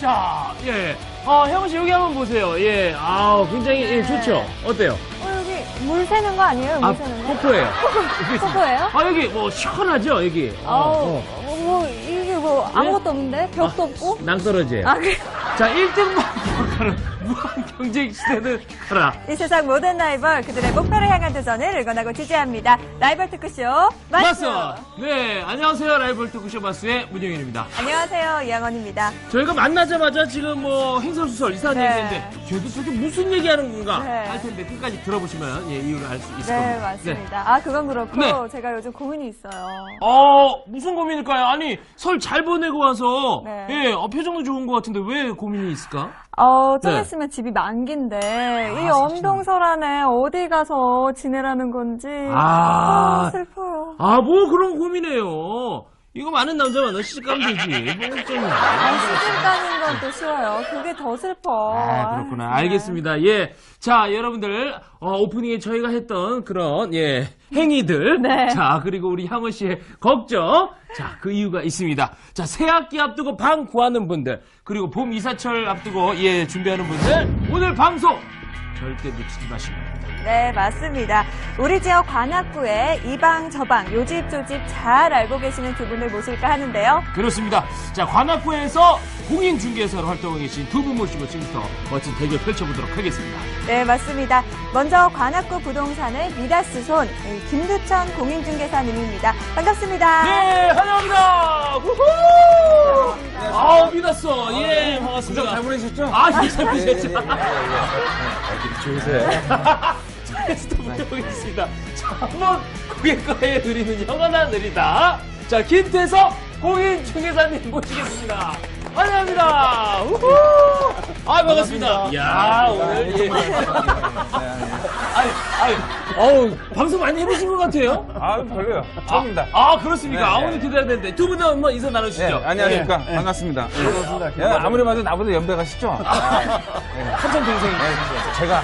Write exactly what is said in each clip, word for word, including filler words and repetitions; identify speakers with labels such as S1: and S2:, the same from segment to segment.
S1: 자, 예. 아, 혜원 씨 여기 한번 보세요. 예. 아, 굉장히 예, 좋죠. 어때요?
S2: 어, 여기 물 새는 거 아니에요? 물
S1: 아,
S2: 새는 거?
S1: 폭포예요.
S2: 폭포예요?
S1: 아, 여기 뭐 시원하죠, 여기.
S2: 어,
S1: 어,
S2: 어, 뭐, 이게 뭐, 아무것도 없는데? 벽도 없고?
S1: 낭떠러지예요.
S2: 아, 그래.
S1: 자, 일 등만 기억하는 무한 경쟁 시대는 가라.
S2: 이 세상 모든 라이벌, 그들의 목표를 향한 도전을 응원하고 지지합니다. 라이벌 토크쇼, 마스!
S1: 마스! 네, 안녕하세요. 라이벌 토크쇼 마스의 문영일입니다.
S2: 안녕하세요, 이양원입니다.
S1: 저희가 만나자마자 지금 뭐 행설수설 이상한
S2: 네.
S1: 얘기했는데 저도 저게 무슨 얘기하는 건가
S2: 네.
S1: 할 텐데 끝까지 들어보시면 예, 이유를 알 수 있을
S2: 네,
S1: 겁니다.
S2: 맞습니다. 아, 그건 그렇고,
S1: 네.
S2: 제가 요즘 고민이 있어요.
S1: 어, 무슨 고민일까요? 아니, 설 잘 보내고 와서,
S2: 네.
S1: 예, 어, 표정도 좋은 것 같은데 왜 고민이 있을까?
S2: 어, 좀
S1: 네.
S2: 있으면 집이 만기인데, 이
S1: 아,
S2: 엄동설 안에 어디 가서 지내라는 건지,
S1: 아.
S2: 아, 슬퍼요.
S1: 아, 뭐 그런 고민해요. 이거 많은 남자 만나 시집가면 되지. 뭐 좀.
S2: 아, 시집 가는 건 또 쉬워요. 그게 더 슬퍼.
S1: 아, 그렇구나.
S2: 아,
S1: 알겠습니다. 예. 자, 여러분들, 어, 오프닝에 저희가 했던 그런, 예, 행위들.
S2: 네.
S1: 자, 그리고 우리 향원 씨의 걱정. 자, 그 이유가 있습니다. 자, 새 학기 앞두고 방 구하는 분들, 그리고 봄 이사철 앞두고, 예, 준비하는 분들, 오늘 방송 절대 놓치지 마시고.
S2: 네, 맞습니다. 우리 지역 관악구에 이방 저방 요집 조집 잘 알고 계시는 두 분을 모실까 하는데요.
S1: 그렇습니다. 자, 관악구에서 공인중개사로 활동하고 계신 두 분 모시고 지금부터 멋진 대결 펼쳐보도록 하겠습니다.
S2: 네, 맞습니다. 먼저 관악구 부동산의 미다스 손 김두천 공인중개사님입니다. 반갑습니다.
S1: 네, 환영합니다. 우후! 아, 믿었어. 예, 반갑습니다.
S3: 잘 보내셨죠?
S1: 아, 예, 잘 보내셨죠?
S3: 좋으세요.
S1: 자, 게스트 모셔보겠습니다. 자, 한번 고객과에 누리는 영원한 느리다. 자, 김태석 공인중개사님 모시겠습니다. 환영합니다. 우후! 아, 반갑습니다. 이야, 오늘, 예. 아니, 아니, 어우, 방송 많이 해보신 것 같아요?
S3: 아, 별로요. 처음입니다.
S1: 아, 그렇습니까?
S3: 네,
S1: 아,
S3: 네.
S1: 오늘 기대가 되는데. 두 분은 한번 인사 나누시죠.
S3: 네, 안녕하십니까. 반갑습니다. 예, 아무리 봐도 나보다 연배가 쉽죠?
S1: 한참 동생이.
S3: 네, 제가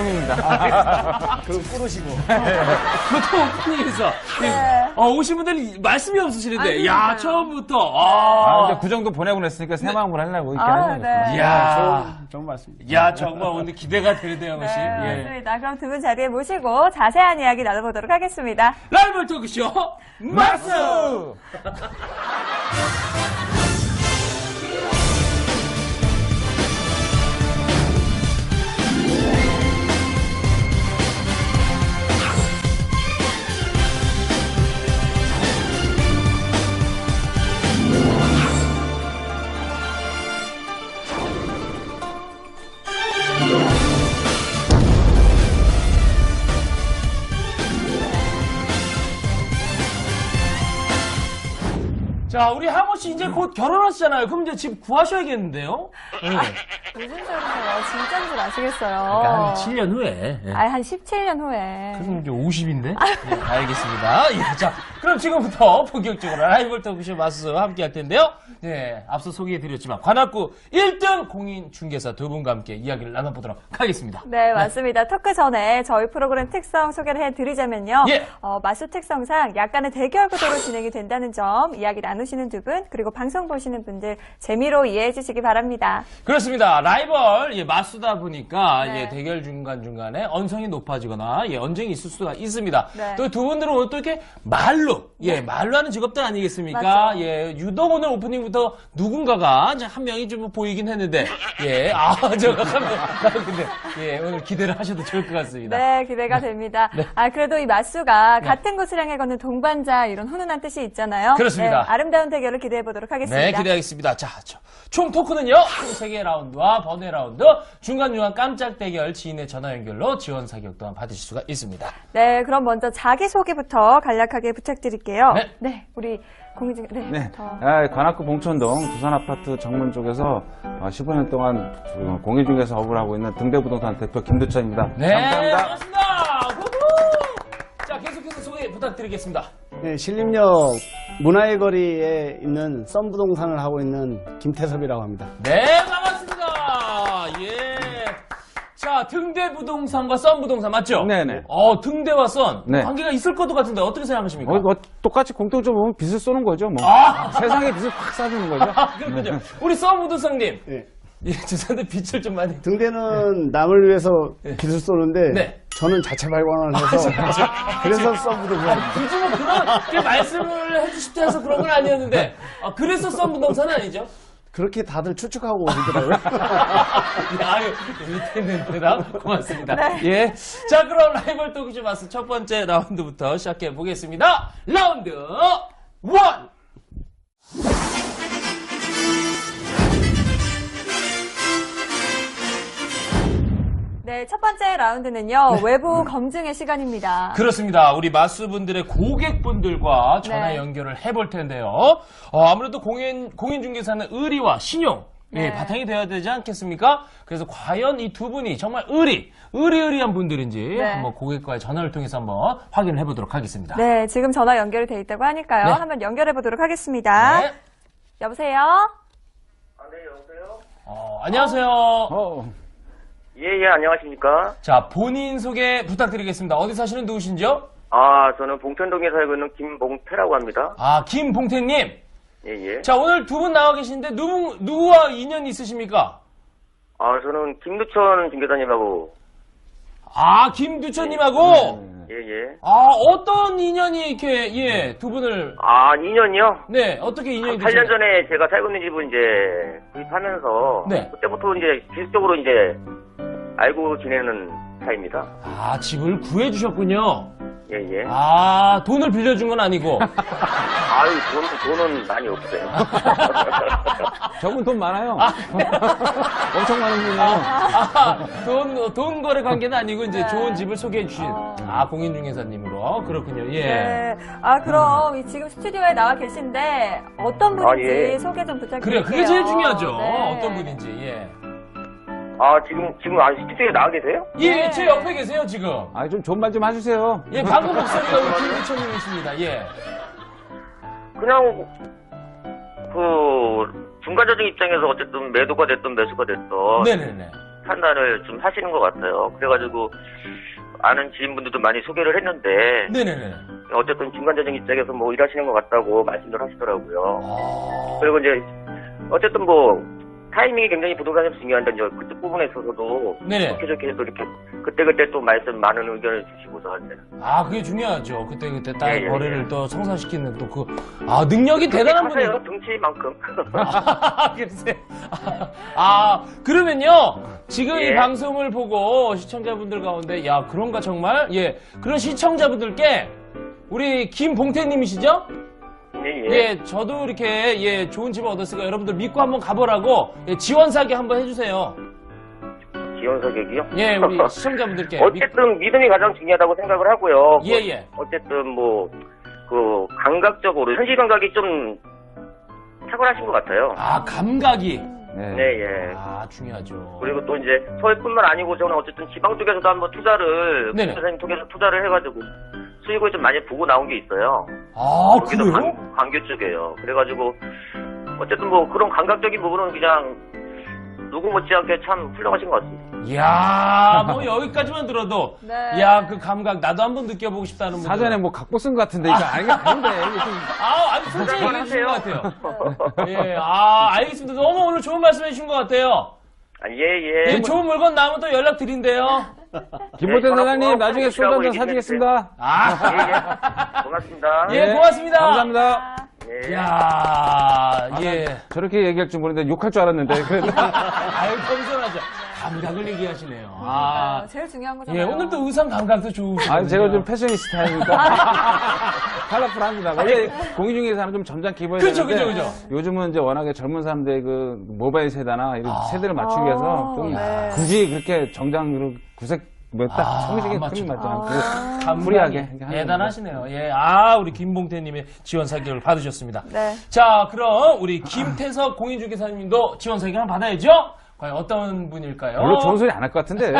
S3: 차영입니다.
S1: 그럼 꾸르시고. 보통 오프닝에서 어, 오신 분들이 말씀이 없으시는데,
S2: 아,
S1: 야
S2: 그러니까요.
S1: 처음부터.
S3: 아,
S1: 아,
S3: 이제 그 정도 보내고 그랬으니까 새 마음으로 하려고 이렇게
S2: 아,
S3: 하는 거죠.
S2: 네.
S1: 이야,
S4: 좋은 말씀입니다.
S1: 야 정말 오늘 기대가 되는데요,
S2: 네,
S1: 씨. 예.
S2: 맞습니다. 그럼 두 분 자리에 모시고 자세한 이야기 나눠보도록 하겠습니다.
S1: 라이벌 토크쇼 마스. 자, 우리 하모 씨 이제 곧 결혼하시잖아요. 그럼 이제 집 구하셔야겠는데요? 네.
S2: 무슨 소리세요? 진짜인 줄 아시겠어요.
S1: 한 칠 년 후에. 예.
S2: 아, 한 십칠 년 후에.
S1: 그럼 이제 오십인데? 예, 알겠습니다. 예, 자, 그럼 지금부터 본격적으로 라이벌 토크쇼 마스와 함께 할 텐데요. 예, 앞서 소개해드렸지만, 관악구 일 등 공인중개사 두 분과 함께 이야기를 나눠보도록 하겠습니다.
S2: 네, 맞습니다. 토크 전에 저희 프로그램 특성 소개를 해드리자면요.
S1: 예.
S2: 어, 마수 특성상 약간의 대결 구도로 진행이 된다는 점 이야기 나누시는 두 분, 그리고 방송 보시는 분들 재미로 이해해 주시기 바랍니다.
S1: 그렇습니다. 라이벌, 예, 마수다 보니까,
S2: 네.
S1: 예, 대결 중간중간에 언성이 높아지거나, 예, 언쟁이 있을 수가 있습니다.
S2: 네.
S1: 또 두 분들은 오늘 또 이렇게 말로, 예, 말로 하는 직업들 아니겠습니까?
S2: 맞죠.
S1: 예, 유독 오늘 오프닝부터 누군가가 이제 한 명이 좀 보이긴 했는데, 예, 아, 저가 한 명, 나 근데, 예, 오늘 기대를 하셔도 좋을 것 같습니다.
S2: 네, 기대가 됩니다.
S1: 네.
S2: 아, 그래도 이 마수가 같은 곳을 향해 걷는 동반자 이런 훈훈한 뜻이 있잖아요.
S1: 그렇습니다.
S2: 네, 아름다운 대결을 기대해 보도록 하겠습니다.
S1: 네, 기대하겠습니다. 자, 저, 총 토크는요, 총 세 개 라운드와 번외 라운드, 중간중간 깜짝 대결 지인의 전화 연결로 지원 사격 또한 받으실 수가 있습니다.
S2: 네, 그럼 먼저 자기소개부터 간략하게 부탁드릴게요.
S1: 네.
S2: 우리 공유중, 네.
S3: 네.
S2: 더.
S3: 아, 관악구 봉천동 부산아파트 정문 쪽에서 십오 년 동안 공인중개사 업을 하고 있는 등대부동산 대표 김두천입니다.
S1: 네,
S3: 감사합니다.
S1: 반갑습니다. 후후! 자, 계속해서 소개 부탁드리겠습니다.
S4: 네, 신림역 문화의 거리에 있는 썬부동산을 하고 있는 김태섭이라고 합니다.
S1: 네, 반갑습니다. 예. 자, 등대 부동산과 썬 부동산 맞죠?
S3: 네네.
S1: 어, 등대와 썬
S3: 네.
S1: 관계가 있을 것도 같은데 어떻게 생각하십니까?
S3: 어, 뭐, 똑같이 공통점으로 보면 빚을 쏘는 거죠, 뭐.
S1: 아!
S3: 세상에 빚을 확 쏴주는 거죠.
S1: 아, 그렇군요. 우리 썬 부동산님.
S4: 예.
S1: 예, 죄송한데 빛을 좀 많이.
S4: 등대는 남을 위해서 빛을 쏘는데
S1: 네.
S4: 저는 자체 발광을 해서 그래서 썬부동산.
S1: 굳이 뭐 그렇게 말씀을 해주십자 해서 그런 건 아니었는데, 아, 그래서 썬 부동산은 아니죠?
S4: 그렇게 다들 추측하고 오시더라고요.
S1: 아유, 밑에 있는 대답 고맙습니다. 예. 자, 그럼 라이벌 토크쇼 마스 첫 번째 라운드부터 시작해 보겠습니다. 라운드 원!
S2: 네, 첫 번째 라운드는요, 외부 검증의 시간입니다.
S1: 그렇습니다. 우리 마수분들의 고객분들과 전화
S2: 네.
S1: 연결을 해볼 텐데요. 어, 아무래도 공인, 공인중개사는 의리와 신용, 예,
S2: 네.
S1: 바탕이 되어야 되지 않겠습니까? 그래서 과연 이 두 분이 정말 의리, 의리의리한 분들인지
S2: 네.
S1: 한번 고객과의 전화를 통해서 한번 확인을 해보도록 하겠습니다.
S2: 네, 지금 전화 연결이 돼 있다고 하니까요.
S1: 네.
S2: 한번 연결해 보도록 하겠습니다.
S1: 네.
S2: 여보세요?
S5: 아, 네, 여보세요?
S1: 어, 안녕하세요.
S3: 어,
S5: 예, 예, 안녕하십니까?
S1: 자, 본인 소개 부탁드리겠습니다. 어디 사시는 누구신지요?
S5: 아, 저는 봉천동에 살고 있는 김봉태라고 합니다.
S1: 아, 김봉태님.
S5: 예, 예.
S1: 자, 오늘 두 분 나와 계신데 누구, 누구와 인연이 있으십니까?
S5: 아, 저는 김두천 중개사님하고,
S1: 아, 김두천님하고?
S5: 예, 예.
S1: 아, 어떤 인연이 이렇게, 예, 두 분을,
S5: 아, 이 년이요?
S1: 네, 어떻게 인연이
S5: 팔 년
S1: 되셨나요?
S5: 전에 제가 살고 있는 집을 이제 구입하면서,
S1: 네.
S5: 그때부터 이제 기술적으로 이제 알고 지내는 사이입니다.
S1: 아, 집을 구해주셨군요.
S5: 예, 예.
S1: 아, 돈을 빌려준 건 아니고.
S5: 아유, 돈, 돈은 많이 없어요.
S3: 저분 돈 많아요. 엄청 많은 분이에요.
S1: 아, 돈, 돈 거래 관계는 아니고, 이제 좋은 집을 소개해 주신, 아, 공인중개사님으로. 그렇군요, 예.
S2: 네. 아, 그럼 이 지금 스튜디오에 나와 계신데 어떤 분인지
S5: 아, 예.
S2: 소개 좀 부탁드릴게요.
S1: 그래요, 그게 제일 중요하죠.
S2: 네.
S1: 어떤 분인지, 예.
S5: 아, 지금, 지금, 아, 스튜디오에 나와 계세요?
S1: 예,
S2: 네.
S1: 제 옆에 계세요, 지금.
S3: 아, 좀 존말 좀 해주세요.
S1: 예, 방금 목소리가 우리 김두천님이십니다, 예.
S5: 그냥, 그, 중간자적 입장에서 어쨌든 매도가 됐든 매수가 됐든,
S1: 네네네.
S5: 판단을 좀 하시는 것 같아요. 그래가지고 아는 지인분들도 많이 소개를 했는데
S1: 네네네.
S5: 어쨌든 중간자적 입장에서 뭐 일하시는 것 같다고 말씀을 하시더라고요.
S1: 아,
S5: 그리고 이제 어쨌든 뭐 타이밍이 굉장히 부동산에 중요한데 이제 그쪽 부분에 있어서도
S1: 네네.
S5: 좋게 좋게 또 이렇게 그때그때 또 말씀 많은 의견을 주시고서 하는데
S1: 아, 그게 중요하죠. 그때그때 딸
S5: 예, 예,
S1: 거래를
S5: 예.
S1: 또 성사시키는 또 그, 아, 능력이 대단한
S5: 하세요.
S1: 분이에요.
S5: 등치만큼.
S1: 아, 글쎄. 아, 그러면요. 지금 이
S5: 예.
S1: 방송을 보고 시청자분들 가운데, 야, 그런가 정말? 예. 그런 시청자분들께, 우리 김봉태님이시죠?
S5: 예, 예.
S1: 예, 저도 이렇게, 예, 좋은 집을 얻었으니까 여러분들 믿고 한번 가보라고, 예, 지원사기 한번 해주세요.
S5: 지원 사격이요?
S1: 예, 우리 시청자분들께.
S5: 어쨌든 믿음이 가장 중요하다고 생각을 하고요.
S1: 예,
S5: 뭐
S1: 예.
S5: 어쨌든 뭐 그 감각적으로 현실 감각이 좀 탁월하신 것 같아요.
S1: 아, 감각이.
S3: 네.
S5: 네, 예.
S1: 아, 중요하죠.
S5: 그리고 또 이제 서울뿐만 아니고 저는 어쨌든 지방 쪽에서도 한번 투자를
S1: 네네.
S5: 선생님 통해서 투자를 해가지고 수익을 좀 많이 보고 나온 게 있어요.
S1: 아,
S5: 거기도
S1: 그래요?
S5: 관, 광교 쪽이에요. 그래가지고 어쨌든 뭐 그런 감각적인 부분은 그냥 누구 못지않게 참 훌륭하신 것 같습니다.
S1: 이야, 뭐 여기까지만 들어도,
S2: 네.
S1: 야, 그 감각 나도 한번 느껴보고 싶다는 분들.
S3: 사전에 뭐 갖고 쓴 것 같은데, 이거 아니, 아닌데. 이게 좀
S1: 아, 아니 솔직히 얘기해 주신 것 같아요. 예, 아, 알겠습니다. 너무 오늘 좋은 말씀 해주신 것 같아요.
S5: 아, 예, 예.
S1: 예, 좋은 물건 나오면 또 연락 드린대요.
S3: 김보태
S5: 네,
S3: 사장님,
S5: 전화
S3: 나중에 술
S5: 끊고
S3: 한잔
S5: 얘기
S3: 사주겠습니다.
S1: 아,
S5: 예, 예. 고맙습니다.
S1: 예, 고맙습니다.
S3: 감사합니다.
S5: 예.
S1: 이야, 예.
S3: 저렇게 얘기할 줄 모르는데 욕할 줄 알았는데.
S1: 아유, 겸손하죠. 감각을 얘기하시네요. 아,
S2: 어, 제일 중요한
S1: 예,
S2: 거잖아요.
S1: 오늘 또 의상 감각도 좋으시고.
S3: 아, 제가 좀 패셔니스타니까. 컬러풀합니다. 원래 공인중개사는 좀 점잖게 입어야
S1: 그쵸,
S3: 되는데
S1: 그쵸, 그쵸.
S3: 요즘은 이제 워낙에 젊은 사람들의 그 모바일 세대나 이런
S1: 아.
S3: 세대를 맞추기 위해서 좀
S2: 네.
S3: 굳이 그렇게 정장으로 구색 뭐딱
S1: 아,
S3: 성식에
S1: 안
S3: 크림
S1: 맞추고.
S3: 맞지 않고
S1: 감각이
S3: 프리하게 이렇게 하는
S1: 대단하시네요. 예, 아, 우리 김봉태님의 지원 사격을 받으셨습니다.
S2: 네.
S1: 자, 그럼 우리 김태석 공인중개사님도 지원 사격 한번 받아야죠? 과연 어떤 분일까요?
S3: 별로 좋은 소리 안 할 것 같은데.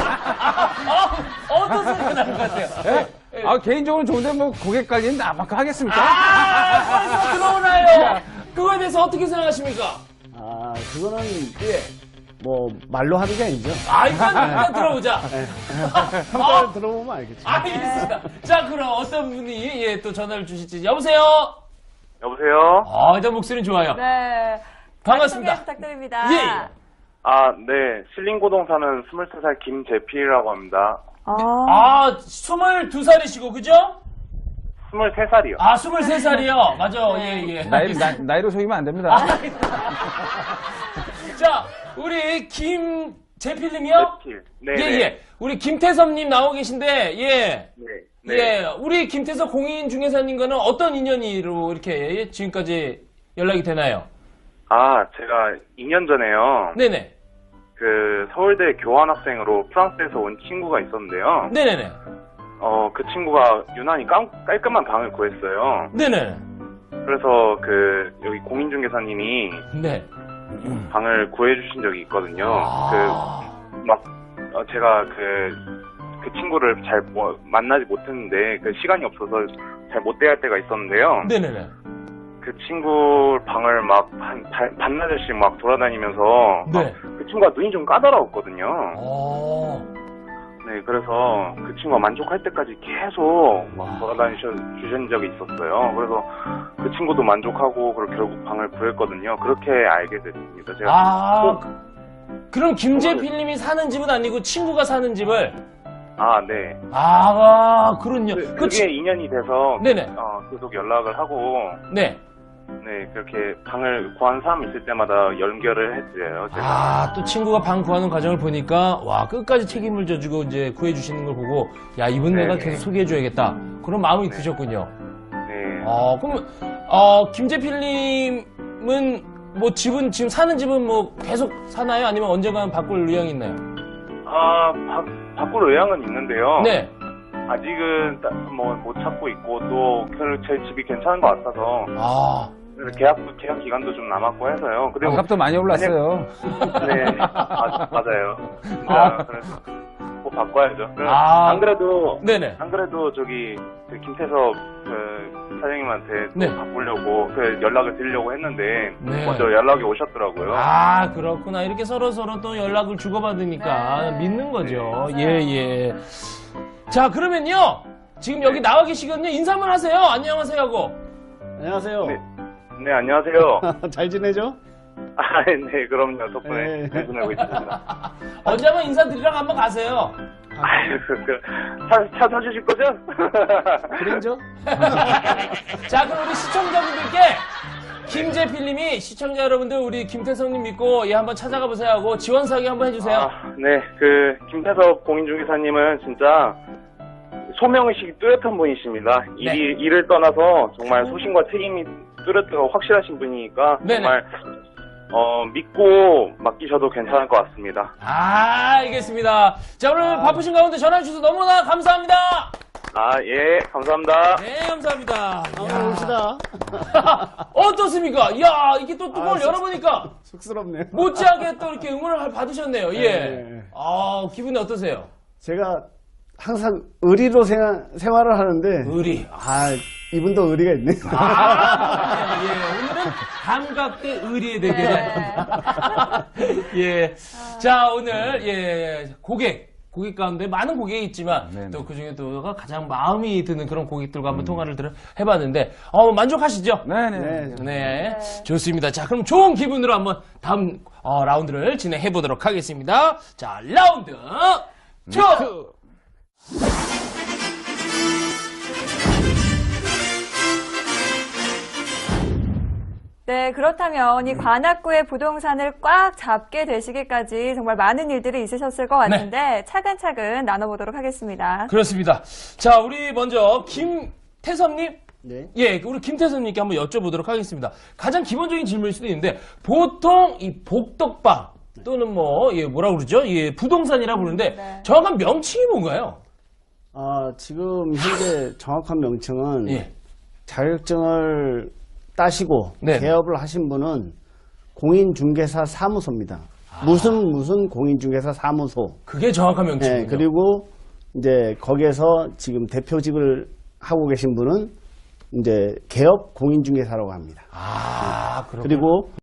S1: 아, 어떤 소리가 나는 것 같아요?
S3: 예? 아, 개인적으로 좋은데 뭐 고객 관리는 나만큼 하겠습니까?
S1: 아, 벌써 들어오나요? 그거에 대해서 어떻게 생각하십니까?
S4: 아, 그거는 예, 뭐 말로 하는 게 아니죠.
S1: 아, 일단, 일단 들어보자.
S4: 평가를
S1: 어?
S4: 들어보면 알겠죠.
S1: 알겠습니다. 자, 그럼 어떤 분이 예, 또 전화를 주실지. 여보세요?
S5: 여보세요?
S1: 아, 일단 목소리는 좋아요.
S2: 네.
S1: 반갑습니다.
S2: 소개 부탁드립니다.
S1: 예, 예.
S5: 아, 네. 신림고동 사는 스물세 살 김재필이라고 합니다.
S2: 아,
S1: 아, 스물두 살이시고, 그죠?
S5: 스물세 살이요.
S1: 아, 스물세 살이요? 맞아, 예, 예.
S3: 나이, 나, 나이로 속이면 안 됩니다.
S1: 자, 우리 김재필님이요?
S5: 재필. 네.
S1: 예, 예. 우리 김태섭님 나오고 계신데, 예.
S5: 네. 네.
S1: 예. 우리 김태섭 공인중개사님과는 어떤 인연으로 이렇게 지금까지 연락이 되나요?
S5: 아, 제가 이 년 전에요.
S1: 네네.
S5: 그 서울대 교환학생으로 프랑스에서 온 친구가 있었는데요.
S1: 네네네.
S5: 어, 그 친구가 유난히 깔, 깔끔한 방을 구했어요.
S1: 네네.
S5: 그래서 그 여기 공인중개사님이
S1: 네.
S5: 방을 구해주신 적이 있거든요.
S1: 아.
S5: 그 막 제가 그 그 친구를 잘 뭐, 만나지 못했는데 그 시간이 없어서 잘 못 대할 때가 있었는데요.
S1: 네네네.
S5: 그 친구 방을 막 한 반나절씩 막 돌아다니면서
S1: 네.
S5: 막 그 친구가 눈이 좀 까다로웠거든요.
S1: 어.
S5: 네, 그래서 그 친구가 만족할 때까지 계속 막
S1: 와.
S5: 돌아다니셔 주신 적이 있었어요. 그래서 그 친구도 만족하고 그리고 결국 방을 구했거든요. 그렇게 알게 됐습니다. 제가
S1: 아. 그- 그럼 김재필님이 사는 집은 아니고 친구가 사는 집을.
S5: 아, 네.
S1: 아, 그렇군요.
S5: 그,
S1: 그 치-
S5: 그게 인연이 돼서
S1: 네네.
S5: 어, 계속 연락을 하고
S1: 네.
S5: 네, 그렇게 방을 구한 사람 있을 때마다 연결을 해드려요. 제가.
S1: 아, 또 친구가 방 구하는 과정을 보니까, 와, 끝까지 책임을 져주고 이제 구해주시는 걸 보고, 야, 이분 내가
S5: 네네.
S1: 계속 소개해줘야겠다. 그런 마음이
S5: 네.
S1: 드셨군요.
S5: 네.
S1: 어, 그럼, 어, 김재필님은 뭐 집은, 지금 사는 집은 뭐 계속 사나요? 아니면 언젠가는 바꿀 의향이 있나요?
S5: 아, 바, 바꿀 의향은 있는데요.
S1: 네.
S5: 아직은 뭐 못 찾고 있고 또 제 집이 괜찮은 것 같아서
S1: 아,
S5: 그래서 계약 계약 기간도 좀 남았고 해서요. 그리고
S3: 값도 많이 올랐어요.
S5: 네, 아, 맞아요.
S1: 아.
S5: 진짜 그래서 꼭 바꿔야죠. 그래서
S1: 아.
S5: 안 그래도
S1: 네네.
S5: 안 그래도 저기 그 김태섭 그 사장님한테 또
S1: 네.
S5: 바꾸려고 그 연락을 드리려고 했는데
S1: 네.
S5: 먼저 연락이 오셨더라고요.
S1: 아, 그렇구나. 이렇게 서로서로 또 연락을 주고받으니까
S2: 네.
S1: 믿는 거죠.
S2: 네.
S1: 예, 예. 자, 그러면요. 지금 여기 나와 계시거든요. 인사만 하세요. 안녕하세요 하고.
S4: 안녕하세요.
S5: 네. 네, 안녕하세요.
S4: 잘 지내죠?
S5: 아, 네, 그럼요. 덕분에
S4: 네.
S5: 잘 지내고 있습니다.
S1: 언제 한번 인사드리러 한번 가세요.
S5: 아유, 그, 그, 차, 차 사주실 거죠?
S4: 그린죠?
S1: 자, 그럼 우리 시청자분들께 김재필님이 시청자 여러분들 우리 김태성님 믿고 예 한번 찾아가 보세요 하고 지원 사기 한번 해주세요.
S5: 아, 네, 그, 김태섭 공인중개사님은 진짜 소명의식이 뚜렷한 분이십니다.
S1: 네.
S5: 일이, 일을 떠나서 정말 소신과 책임이 뚜렷하고 확실하신 분이니까
S1: 네네.
S5: 정말 어, 믿고 맡기셔도 괜찮을 것 같습니다.
S1: 아, 알겠습니다. 자, 오늘 바쁘신 가운데 전화 주셔서 너무나 감사합니다.
S5: 아, 예, 감사합니다.
S1: 네, 감사합니다.
S4: 한번 봅시다.
S1: 어떻습니까? 이야, 이게 또 뚜껑을
S4: 아, 쑥-
S1: 열어보니까
S4: 쑥스럽네요.
S1: 못지않게 또 이렇게 응원을 받으셨네요. 예.
S4: 네.
S1: 아, 기분이 어떠세요?
S4: 제가 항상 의리로 생활, 생활을 하는데,
S1: 의리.
S4: 아, 이분도 의리가 있네.
S1: 아, 예, 오늘은 감각대 의리의 대결. 예. 자, 오늘, 예, 고객. 고객 가운데 많은 고객이 있지만
S3: 네네.
S1: 또 그 중에 또 가장 마음이 드는 그런 고객들과 한번 통화를 들어 해봤는데 어, 만족하시죠?
S3: 네네.
S4: 네.
S1: 네, 좋습니다. 자, 그럼 좋은 기분으로 한번 다음 어, 라운드를 진행해 보도록 하겠습니다. 자, 라운드 투.
S2: 네, 그렇다면 이 관악구의 부동산을 꽉 잡게 되시기까지 정말 많은 일들이 있으셨을 것 같은데 차근차근 나눠보도록 하겠습니다.
S1: 그렇습니다. 자, 우리 먼저 김태섭님.
S4: 네.
S1: 예, 우리 김태섭님께 한번 여쭤보도록 하겠습니다. 가장 기본적인 질문일 수도 있는데 보통 이 복덕방 또는 뭐 예, 뭐라 그러죠? 예, 부동산이라 부르는데
S2: 네.
S1: 정확한 명칭이 뭔가요?
S4: 아, 지금 현재 정확한 명칭은
S1: 예.
S4: 자격증을 따시고
S1: 네.
S4: 개업을 하신 분은 공인중개사 사무소입니다. 무슨 무슨 공인중개사 사무소.
S1: 그게 정확한 명칭이군요.
S4: 네, 그리고 이제 거기에서 지금 대표직을 하고 계신 분은 이제 개업 공인중개사라고 합니다.
S1: 아, 그렇군요.
S4: 그리고